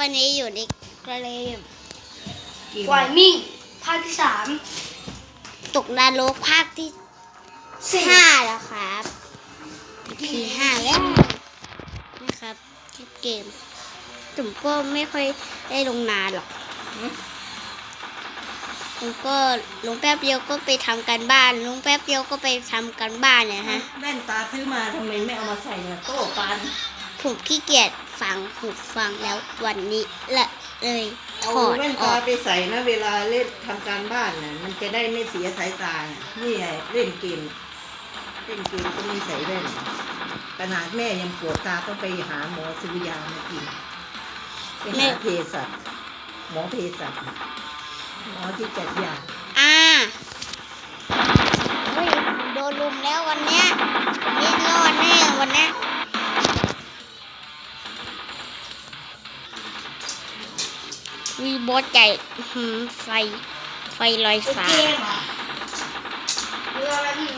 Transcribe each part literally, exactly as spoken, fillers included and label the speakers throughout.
Speaker 1: วันนี้อยู่ในเกม
Speaker 2: ไวมิ่งภาคที่สาม
Speaker 1: ตกนรกภาคที่ห้าแล้วครับพีห้าแล้วนะครับเกมผมก็ไม่ค่อยได้ลงนานหรอกผมก็ลงแป๊บเดียวก็ไปทำการบ้านลงแป๊บเดียวก็ไปทำการบ้านเนี่ยฮะ
Speaker 3: แว่นตาซื้อมาทำไมไม่เอามาใส่เนี่ยโต้ปัน
Speaker 1: ผมขี้เกียจฟังหูฟังแล้ววันนี้ละเลยถ
Speaker 3: เอา
Speaker 1: อด
Speaker 3: แว่น
Speaker 1: อ
Speaker 3: ตา
Speaker 1: อก
Speaker 3: ไปใส่นะเวลาเล่นทำการบ้านน่ะมันจะได้ไม่เสียสายตานี่ไงเล่นเกมเล่นเกมก็ไม่ใส่แว่นขนาดแม่ยังปวดตาต้องไปหาหมอซื้อยามากินไปหาเภสัชหมอเภสัชหมอที่จัดยา
Speaker 1: อ่าเฮ้ยโดนลุมแล้ววันเนี้ยนี่รอดแน่วันเนี้ยวีบอสใหญ่หืมไฟไฟลอยฟ้า
Speaker 2: เกมเหรอเรืออะไรนี่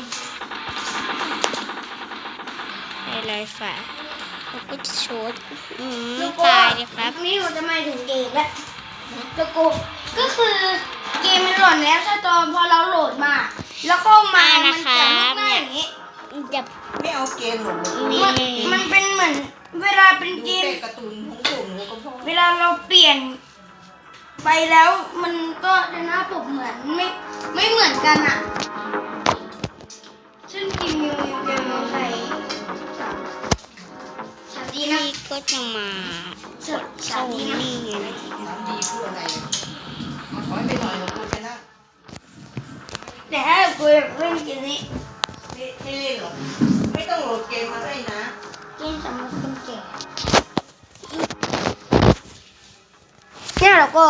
Speaker 1: ไฟลอยฟ้าเขาก็จะโชดอืม
Speaker 2: แล้วก็
Speaker 1: ตายเลยครับ
Speaker 2: นี่เราจะมาถึงเกมแล้วแล้วก็ก็คือเกมมันหล่นแล้วถ้าตอนพอเราโหลดมา แล้วก็มา มันจะลุกหน้าอย่างนี้
Speaker 1: จะ
Speaker 3: ไม่เอาเกมหรอก
Speaker 1: มี
Speaker 2: มันมันเป็นเหมือนเวลาเป็น
Speaker 3: ดู
Speaker 2: เกม
Speaker 3: แต่การ์ตูนของผมแล้วก็พอ
Speaker 2: เวลาเราเปลี่ยนไปแล้วมันก็จะหน้าปกเหมือนไม่ไม่เหมือนกันอ่ะซึ่งทีมยูยังจะมาใส่สามสามดีนะ
Speaker 1: พี่ก็จะมา
Speaker 2: สามสามดีนะ
Speaker 1: นี่ไง
Speaker 3: สามดีคืออะไรขอให้ไปหน่อยของคุณไปนะ
Speaker 2: แต่ถ้ากูอยากเล่นเกมนี้
Speaker 3: ไม่ไม่เล่นหรอกไม่ต้องโหลดเกมมาให้นะ
Speaker 2: เกมสำหรับคนแก่เนี่ยเราก็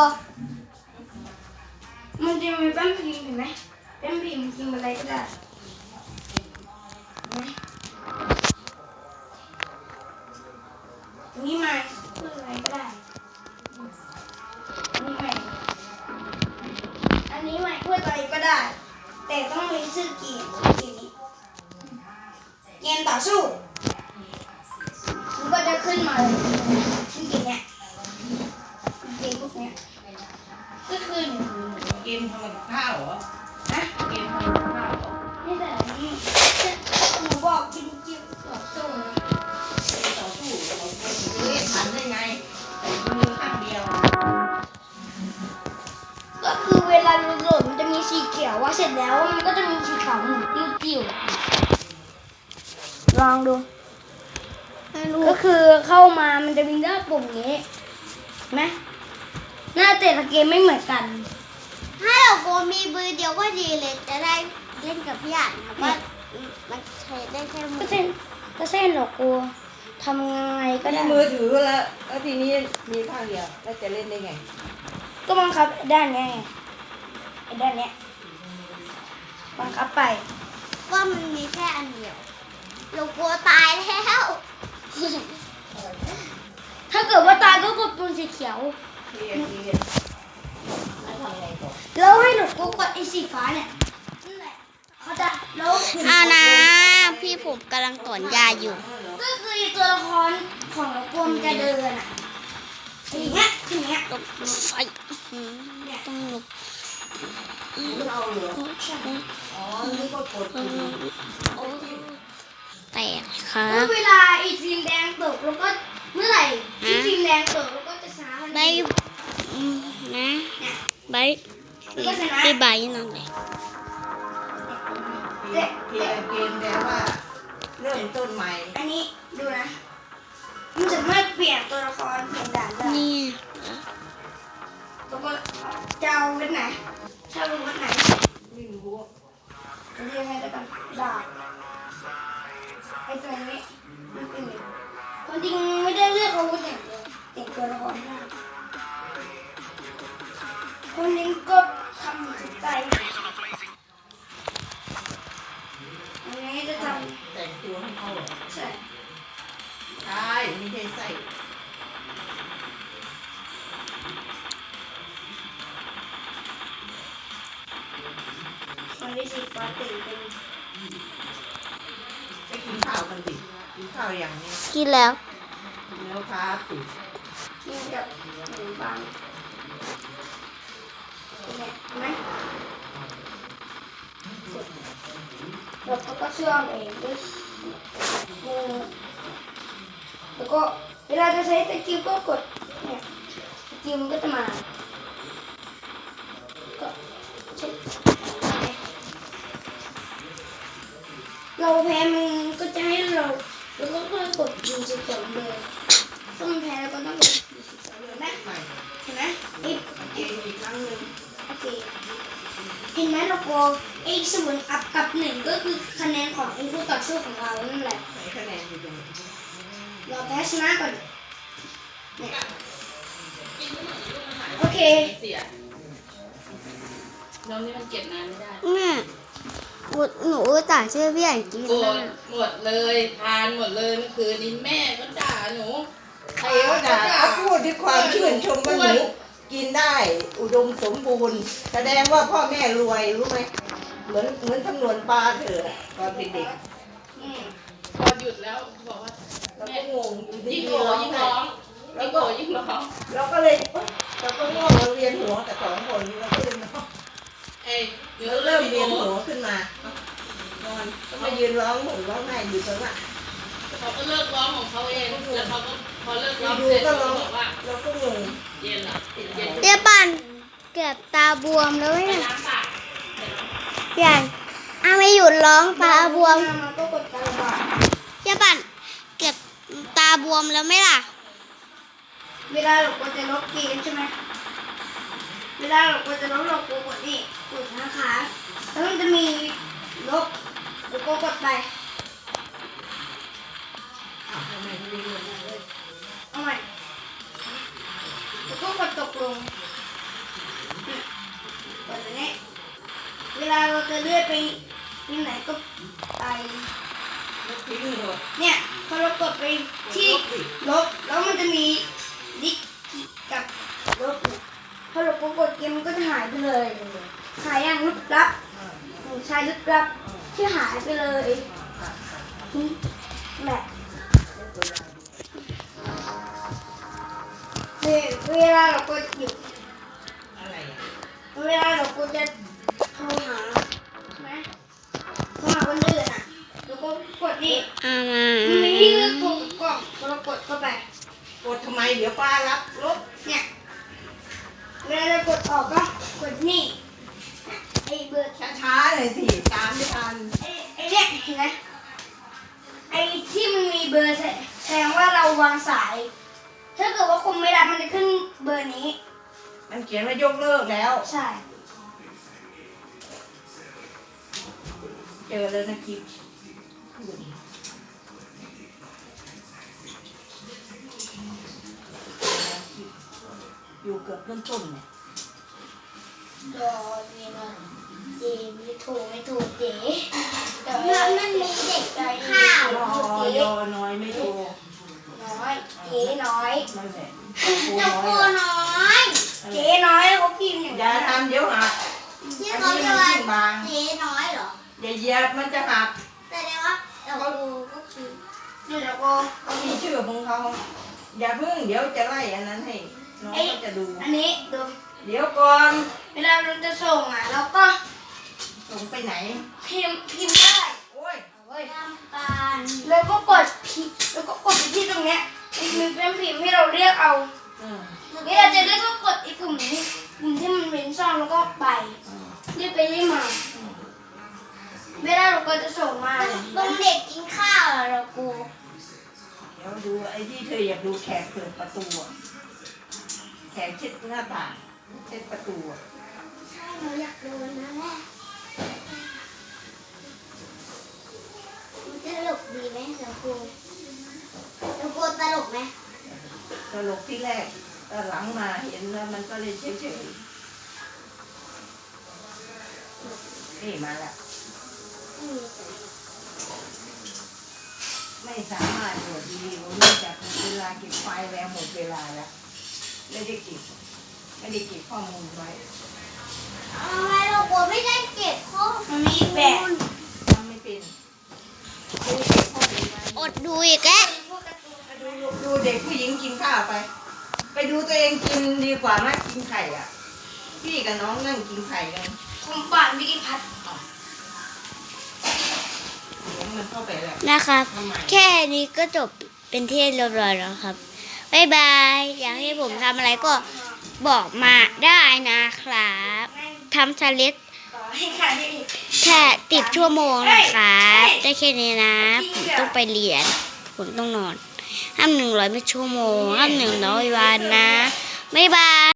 Speaker 2: มันจะมีแป้นพิมพ์เห็นไหมแป้นพิมพ์พิมพ์อะไรก็ได้เห็นไหมอันนี้มาพูดอะไรก็ได้อันนี้ใหม่อันนี้ใหม่พูดอะไรก็ได้ แต่ต้องมีชื่อเกมชื่อเกมนี้เกมต่อสู้มันก็จะขึ้นมาเลยชื่อเกมเนี้ยเกมพวกเนี้ยก็คือ
Speaker 3: เกมทำกับข้าวเหรอ
Speaker 2: นะ
Speaker 3: เกมทำกับข้าวเหรอ
Speaker 2: นี่แต่นี่หนูบอกกินเกมต่อสู้นะ
Speaker 3: เกมต่อสู้เราเล่นทันได้ไงแต่มือข้างเดียว
Speaker 2: ก็คือเวลาเราโหลดมันจะมีสีเขียวว่าเสร็จแล้วมันก็จะมีสีขาวหมุนติ้วๆลองดู ก็คือเข้ามามันจะมีหน้าปุ่มนี้เห็นไหมหน้าแต่ละเกมไม่เหมือนกัน
Speaker 1: ถ้าเราโกมีมือเดียวก็ดีเลยจะได้เล่นกับพี่อ่านนะว่ามันใช้ได้แค่มื
Speaker 2: ก็
Speaker 1: อ
Speaker 2: เส้นก็เส้นหรอกกูทำยังไงก็ได้
Speaker 3: มีมือถือแล้วแล้วทีนี้มีข้างเดียวแล้วจะเล่นได้ไง
Speaker 2: ก็บังคับไอ้ด้านเนี้ยไงไอ้ด้านเนี้ยบังคับไป
Speaker 1: ว่ามันมีแค่อันเดียวเรากลัวตายแล้ว
Speaker 2: ถ้าเกิดว่าตายก็กดปุ่มสีเขียว
Speaker 3: เรียนเรียนแล้วทำไงต่อ
Speaker 2: แล้วให้หนูก็กดไอ้สีฟ้าเนี่ยนั่นแหละเขาจะแล้ว
Speaker 1: เอานะพี่ผมกำลังถอนยาอยู่
Speaker 2: ก็คือตัวละครของเรากลัวมันจะเดินอ่ะอย่างเงี้ยอย่างเงี้ย
Speaker 1: ตกไฟอื้อหือต้องหลบ
Speaker 3: เราเหรออ๋อนี่ก็กดปุ่ม
Speaker 1: แตกครั
Speaker 2: ก็
Speaker 1: บ
Speaker 2: เวลาไอ้ทีมแดงตกแล้วก็เมื่อไหร่ที่ทีมแดงตกแล้วก็จะชนะมัน
Speaker 1: ใบอืมนะใบ
Speaker 2: ก็ชนะ
Speaker 1: พี่ใบนั่นเลย
Speaker 3: เกมเกมเกมแต่ว่าเริ่มต้นใหม่
Speaker 2: อันนี้ดูนะมันสามารถเปลี่ยนตัวละครเปลี่ยนด่านได้
Speaker 1: นี่
Speaker 2: แล้วก็จะเอาเว็บไหนถ้ารู้เว็บไหน
Speaker 3: ไม่รู้
Speaker 2: จะเรียกให้แล้วกันดาบไอ้ตัวนี้มันเป็นอย่างความจริงไม่ได้เลือกอาวุธอย่างเดียวแต่งตัวละครได้คนนี้ก็ทำสุดใจอันนี้จะท
Speaker 3: แต่งตัวให้เขาเหรอ
Speaker 2: ำใช่
Speaker 3: ใช่ไม่ใช่ใส่
Speaker 2: คนที่สีฟ้าติ่งเป็น
Speaker 3: ไปกินข้าวกันดิกินข้าวอย่างนี้
Speaker 1: กินแล้ว
Speaker 3: แล้วครับติ
Speaker 2: นี่แดกับหนูบางเนี่ยเห็นไหมเราก็เชื่อมเองด้วยมือแล้วก็เวลาจะใช้ตะกิ้วก็กดเนี่ยตะกิ้วมันก็จะมาก็ใช้เราแพ้มันก็จะให้เราแล้วก็ค่อยกดยิงสิบสองเลยถ้ามันแพ้แล้วก็ต้องกดยิงสิบสองเลยนะ
Speaker 3: ใหม่
Speaker 2: เห็นไหมอีก
Speaker 3: เกมอีกครั้งหนึ่ง
Speaker 2: โอเคเห็นไหมเราโกไอ้ศูนย์อัพกับหนึ่งก็คือคะแนนของไอ้ผู้ต่อสู้ของเรานั่นแหละ
Speaker 3: ไหนคะแนนอยู่ตรงไหน
Speaker 2: เราแพ้ชนะก่อนเนี่ยโอเค
Speaker 4: เสียน้องนี่มันเก็บนานไม่ได้
Speaker 1: เนี่ยอุดหนูต่างชื่อพี่ใหญ่กิน
Speaker 4: โกร
Speaker 1: มา
Speaker 4: ธหมดเลยพานหมดเลยเมื่อคืนนี้แม่ก็ด่าหนู
Speaker 3: ใครก็ด่าเขาพูดด้วยความชื่นชมว่าหนูกินได้อุดมสมบูรณ์ แสดงว่าพ่อแม่รวยรู้ไหมเหมือนเหมือนจำนวนปลาเถอะตอนเด็ก
Speaker 4: อืมพอหยุดแล้วบอกว่า
Speaker 3: ๆเรา
Speaker 4: แม่
Speaker 3: ก็งงอยู่ดี
Speaker 4: ยิ่ง
Speaker 3: ๆ
Speaker 4: โกรธ
Speaker 3: ร้อง
Speaker 4: ยิ่ง
Speaker 3: ไห้
Speaker 4: ร้องยิ่งโกรธยิ่งร้อง
Speaker 3: เราก็เลยเอ้ยเราก็ง่วงเราเรียนหัวแต่สองคนเราก็เลยนอน
Speaker 4: เอ้ยเดี๋ยว
Speaker 3: เรา
Speaker 4: เริ่
Speaker 3: เริ่
Speaker 4: ม
Speaker 3: ม
Speaker 4: เรี
Speaker 3: เรี
Speaker 4: ย
Speaker 3: ย
Speaker 4: น
Speaker 3: น
Speaker 4: หั
Speaker 3: หั
Speaker 4: ว
Speaker 3: วขึ้นมานอนก็มายืนร้องห่มร้องไห้อยู่ตรงนั้น
Speaker 4: เขาก็เลิกร้องของเขาเองแล้วเขาก็พอเลิกร้อง
Speaker 3: ดู
Speaker 4: เสร็จ
Speaker 3: ก็
Speaker 4: เขา
Speaker 3: ร้อง
Speaker 4: บอกว่า
Speaker 3: เราก็งง
Speaker 4: เย็นละเย็น
Speaker 1: เดี๋ยวปั่นเกือบตาบวมแล้ว
Speaker 4: ไป
Speaker 1: เนี่ย
Speaker 4: ล้างปาก
Speaker 1: พี่ใหญ่อาไม่หยุดร้องตาบวม
Speaker 2: มันก็กดการระบาด
Speaker 1: เดี๋ยวปั่นเกือบตาบวมแล้วไหมล่ะ
Speaker 2: เวลาเรากดจะลบเกมใช่ไหมเวลาเรากดจะลบเรากดนี่กดนะคะแล้วมันจะมีลบแล้วก็กดไป
Speaker 3: อ้าวทำไมไม่ได้เรียนเลย
Speaker 2: เอาใหม่แล้วก็กดตกลงนี่กดแบบนี้เวลาเราจะเลื่อนไปที่ไหนก็ไป
Speaker 3: แล้วทิ้งเลย
Speaker 2: เนี่ยพอเรากดไปที่ลบแล้วมันจะมีดิกกับลบเนี่ยพอเรากดเกมมันก็จะหายไปเลยหายอย่างลึกลับหนูใช้ลึกลับที่หายไปเลยนี่แหละเวลาเรากดอยู่
Speaker 3: อะไรอ่ะ
Speaker 2: เวลาเรากดจะโทรหาใช่ไหมโทรหาคนอื่นอ่ะแล้วก็กดนี่
Speaker 1: อามา
Speaker 2: มันมีให้เลือกโทรกับกล่องพอเรากดเข้าไป
Speaker 3: กดทำไมเดี๋ยวป้ารับลบ
Speaker 2: เนี่ยเวลาเรากดออกก็กดนี่ไอ้เบอร์
Speaker 3: ช้าๆหน่อยสิตามไม่ทัน
Speaker 2: ไอ้ไอ้เนี่ยเห็นไหมไอ้ที่มันมีเบอร์แสดงว่าเราวางสาย ถ้าเกิดว่าคุณไม่รับมันจะขึ้นเบอร์นี้
Speaker 3: มันเขียนว่ายกเลิกแล้ว
Speaker 2: ใช่
Speaker 3: เจอแล้วนะคลิปอยู่เกือบต้นๆเนี่ย
Speaker 2: ดอนี่นะเจไม่ถูกไม่ถูกเจ๊แต่
Speaker 1: เมื่อ
Speaker 2: ว่า
Speaker 1: มันมีเด็ก
Speaker 2: ใจ
Speaker 1: ข้าว
Speaker 3: รอยอน้อยไม่โทร
Speaker 2: น้อยเจ๊น้อย
Speaker 3: นั่นแหละโ
Speaker 1: ตะ
Speaker 3: น้
Speaker 1: โก
Speaker 3: อยอะ
Speaker 1: น้อย
Speaker 2: เจ๊น้อยเขาพิมพ์อย่าง
Speaker 3: อย่าทำเดี๋ยวหัก
Speaker 1: ที่
Speaker 3: อัน
Speaker 1: เขา
Speaker 3: นี้
Speaker 1: เรีย
Speaker 3: มั
Speaker 1: ก
Speaker 3: น
Speaker 1: ว่า
Speaker 3: ขึ้นบาง
Speaker 1: เจ๊น้อยเหรอ
Speaker 3: อย่าเหยียบมันจะหัก
Speaker 1: แต่เรียกว่าตะโกก็คือ
Speaker 2: เดี๋ยวเราก็
Speaker 3: เขามีชื่อของเขาอย่าเพิ่งเดี๋ยวจะไล่อันนั้นให้น้องก็จะดู
Speaker 2: อันนี้ดู
Speaker 3: เดี๋ยวก่อน
Speaker 2: เวลาเราจะส่งอ่ะเราก็
Speaker 3: ส่งไปไหน
Speaker 2: พิมพ์พิมพ์ได้
Speaker 3: โอ้ย
Speaker 2: เอาเว้ย
Speaker 1: ลำปาน
Speaker 2: แล้วก็กดพิมพ์แล้วก็กดไปที่ตรงเนี้ยมันเป็นพิมพ์ให้เราเรียกเอา
Speaker 3: อืม
Speaker 2: เวลาจะเรียกก็กดไอ้ปุ่มนี้ปุ่มที่มันเป็นช่องแล้วก็ไป
Speaker 3: อืม
Speaker 2: เรียกไปเรียกมา เวลาเราก็จะส่งมา
Speaker 1: ตรงเด็กกินข้าวเหรอเรากู
Speaker 3: เดี๋ยวดูไอ้ที่เธออยากดูแขกเปิดประตูอะแขกเช็ดหน้าต่างเช็ดประตูอะ
Speaker 1: ใช่เราอยากโดนนะแม่มันจะตลกดีไหมเรากูเรากูตลกไหม
Speaker 3: ตลกที่แรกตอนหลังมาเห็นแล้วมันก็เลยเฉยๆนี่มาแล้ว
Speaker 1: ไม่มีใส่
Speaker 3: ไม่สามารถโหลดวิดีโอเนื่องจากเวลาเก็บไฟล์แล้วหมดเวลาแล้วไม่ได้เก็บไม่ได้เก็บข้อมูลไว้
Speaker 1: ทำไมเรากูไม่ได้เก็บข้อ
Speaker 2: มันมีอีกแบบ
Speaker 3: ทำไม่เป็นดูเด็กข้อมูลไว้
Speaker 1: อดดูอีกแล้ว
Speaker 2: พวกการ์ตูน
Speaker 3: ดูดูเด็กผู้หญิงกินข้าวไป
Speaker 2: พ
Speaker 3: ไปดูตัวเองกินดีกว่าไหมกินไข่อ่ะ พี่กับน้องนั่งกินไข่กัน
Speaker 2: ผมป่านวิกิพัฒน์
Speaker 3: เดี๋ยวมันเข้าไปแล้ว
Speaker 1: นะครับ
Speaker 3: ทำไม
Speaker 1: แค่นี้ก็จบเป็นที่เรียบร้อยแล้วครับบ๊ายบายอยากให้ผมทำอะไรก็บอกมาได้นะครับทำชาเลนจ์
Speaker 2: ต่อให้ใคร
Speaker 1: แค่ติดชั่วโมงนะครับได้แค่นี้นะผมต้องไปเรียนผมต้องนอนห้ามหนึ่งร้อยไม่ชั่วโมงห้ามหนึ่งร้อยวันนะบ๊ายบาย